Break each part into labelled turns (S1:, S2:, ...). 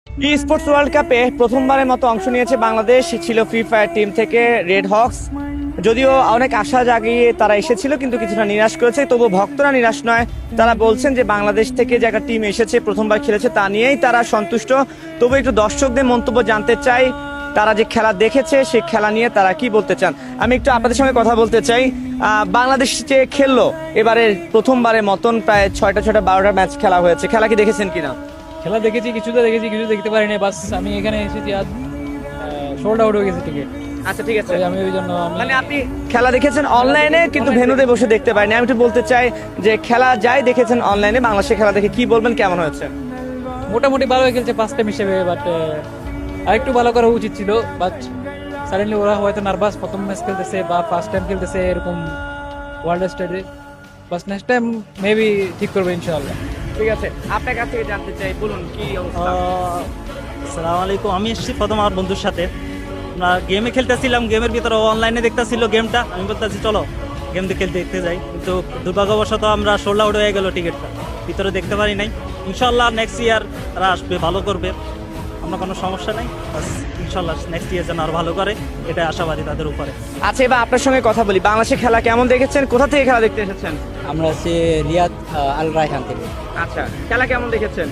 S1: ই sports world কাপে প্রথমবারের মতো অংশ নিয়েছে বাংলাদেশ, ছিল ফ্রি ফায়ার টিম থেকে রেড হক্স। যদিও অনেক আশা জাগিয়ে তারা এসেছিল, কিন্তু কিছুটা নিরাশ করেছে। তবু ভক্তরা নিরাশ নয়, তারা বলছেন যে বাংলাদেশ থেকে যে একটা টিম এসেছে, প্রথমবার খেলেছে, তা নিয়েই তারা সন্তুষ্ট। তবু একটু দর্শকদের মন্তব্য জানতে চাই, তারা যে খেলা দেখেছে সেই খেলা নিয়ে তারা কি বলতে চান। আমি একটু আপনাদের সঙ্গে কথা বলতে চাই। বাংলাদেশ যে খেললো এবারে প্রথমবারের মতন, প্রায় 6টা 12টা ম্যাচ খেলা হয়েছে, খেলা কি দেখেছেন কিনা?
S2: খেলা দেখেছি, কিছুটা দেখেছি, কিছু দেখতে পারিনি। বাস আমি এখানে এসেছি, আজ সোল্ড আউট হয়ে গেছে টিকিট।
S1: আচ্ছা, ঠিক আছে।
S2: আমি ওই জন্য
S1: মানে আপনি খেলা দেখেছেন অনলাইনে, কিন্তু ভেন্যুতে বসে দেখতে পাইনি। আমি একটু বলতে চাই যে খেলা যাই দেখেছেন অনলাইনে, বাংলাদেশের খেলা দেখে কি বলবেন, কেমন হয়েছে?
S2: মোটামুটি ভালো খেলছে ফার্স্ট টাইম হিসেবে, বাট আরেকটু ভালো করা উচিত ছিল। বাট সাডেনলি ওরা হয়তো নার্ভাস, প্রথম ম্যাচ খেলতেছে বা ফার্স্ট টাইম খেলতেছে এরকম ওয়ার্ল্ড স্টেজে। বাস নেক্সট টাইম মেবি ঠিক করবে ইনশাআল্লাহ।
S1: ঠিক আছে, আপনার কাছ থেকে জানতে চাই, বলুন কি অবস্থা?
S3: আসসালামু আলাইকুম। আমি এসেছি প্রথম আমার বন্ধুর সাথে। আমরা গেমে খেলতেছিলাম, গেমের ভিতরে অনলাইনে দেখতেছিল গেমটা। আমি বলতেছি চলো গেম খেলতে দেখতে যাই, কিন্তু দুর্ভাগ্যবশত আমরা সোল্ড আউট হয়ে গেল টিকিটটা, ভিতরে দেখতে পারি নাই। ইনশাল্লাহ নেক্সট ইয়ার তারা আসবে, ভালো করবে, আমরা কোনো সমস্যা নাই। ইনশাল্লাহ নেক্সট ইয়ার যেন আরো ভালো করে, এটা আশাবাদী তাদের উপরে।
S1: আচ্ছা, এবার আপনার সঙ্গে কথা বলি, বাংলাদেশের খেলা কেমন দেখেছেন, কোথা থেকে খেলা দেখতে এসেছেন?
S4: আমরা আছি রিয়াদ আল রায়হান থেকে।
S1: আচ্ছা, খেলা কেমন দেখেছেন?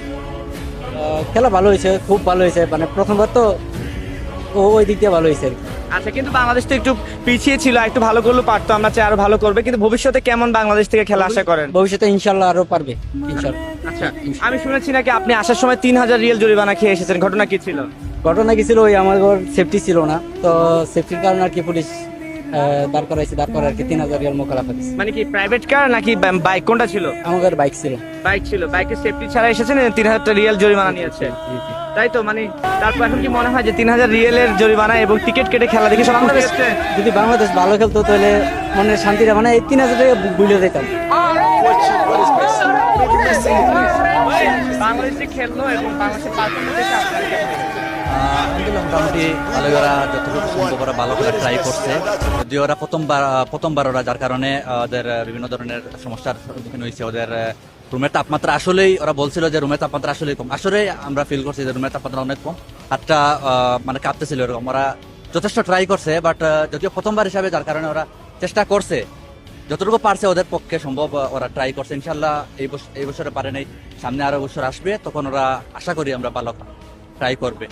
S4: খেলা ভালো হয়েছে, খুব ভালো হয়েছে। মানে প্রথমবার তো ওই দিক দিয়ে ভালো হয়েছে আর কি।
S1: আচ্ছা, কিন্তু বাংলাদেশ তো একটু পিছিয়ে ছিল, একটু ভালো করলেও পারতো, আমরা চাই আরো ভালো করবে। কিন্তু ভবিষ্যতে কেমন বাংলাদেশ থেকে খেলা আশা করেন?
S4: ভবিষ্যতে ইনশাল্লাহ আরো পারবে ইনশাল্লাহ।
S1: আচ্ছা, আমি শুনেছি নাকি আপনি আসার সময় 3000 রিয়াল জরিমানা খেয়ে এসেছেন, ঘটনা কি ছিল?
S4: ঘটনা কি ছিল, ওই আমার সেফটি ছিল না, তো সেফটির কারণে আর কি পুলিশ দাঁড় করাইছে, দাঁড় করে আর কি 3000 রিয়াল মোকালাফা দিচ্ছে।
S1: মানে কি প্রাইভেট কার নাকি বাইক, কোনটা ছিল?
S4: আমাদের বাইক ছিল।
S1: বাইক ছিল, বাইকের সেফটি ছাড়া এসেছেন, 3000 রিয়াল জরিমানা নিয়েছে, তাই তো? মানে তারপর এখন কি মনে হয় যে 3000 রিয়ালের জরিমানা এবং টিকিট কেটে খেলা দেখে সব
S4: যদি বাংলাদেশ ভালো খেলতো তাহলে মনে শান্তিটা, মানে এই 3000 টাকা বুঝলে যেতাম।
S1: বাংলাদেশে খেললো এবং বাংলাদেশের পারফরমেন্স দেখে আপনার কেমন লেগেছে?
S5: আলহামদুলিল্লাহ, মোটামুটি ভালো, ওরা যতটুকু সম্ভব ওরা ভালো করে ট্রাই করছে। যদিও ওরা প্রথমবার ওরা, যার কারণে ওদের বিভিন্ন ধরনের সমস্যার সম্মুখীন হয়েছে। ওদের রুমের তাপমাত্রা আসলেই, ওরা বলছিল যে রুমের তাপমাত্রা আসলেই কম। আসলে আমরা ফিল করছি যে রুমের তাপমাত্রা অনেক কম, হাতটা মানে কাঁপতেছিল এরকম। ওরা যথেষ্ট ট্রাই করছে, বাট যদিও প্রথমবার হিসাবে, যার কারণে ওরা চেষ্টা করছে যতটুকু পারছে, ওদের পক্ষে সম্ভব ওরা ট্রাই করছে। ইনশাল্লাহ এই বছরে পারে নাই, সামনে আরো বছর আসবে, তখন ওরা আশা করি আমরা ভালো ট্রাই করবে।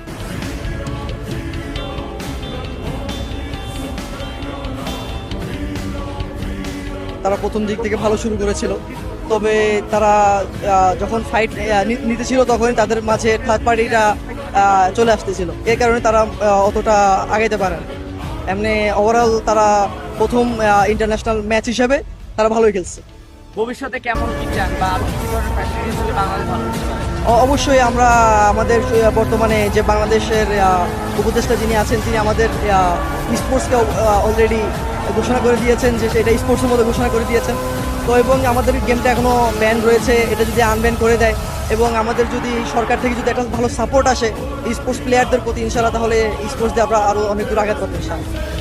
S6: তারা প্রথম দিক থেকে ভালো শুরু করেছিল, তবে তারা যখন ফাইট নিতে ছিল তখন তাদের মাঝে থার্ড পার্টিটা চলে আসতেছিল, এই কারণে তারা অতটা আগাইতে পারে না। এমনি ওভারঅল তারা প্রথম ইন্টারন্যাশনাল ম্যাচ হিসেবে তারা ভালোই খেলছে।
S1: ভবিষ্যতে কেমন কি চান, বা আরো কি ধরনের ফ্যাসিলিটিস হলে বাংলাদেশ ভালো হতে পারে?
S6: অবশ্যই আমরা আমাদের বর্তমানে যে বাংলাদেশের উপদেষ্টা যিনি আছেন, তিনি আমাদের স্পোর্টসকে অলরেডি ঘোষণা করে দিয়েছেন যে এটা স্পোর্টসের মধ্যে ঘোষণা করে দিয়েছেন। তো এবং আমাদের গেমটা এখনও ব্যান রয়েছে, এটা যদি আনব্যান করে দেয় এবং আমাদের যদি সরকার থেকে যদি একটা ভালো সাপোর্ট আসে স্পোর্টস প্লেয়ারদের প্রতি, ইনশাআল্লাহ তাহলে স্পোর্টস দিয়ে আমরা আরও অনেক দূর আঘাত করতে চাই।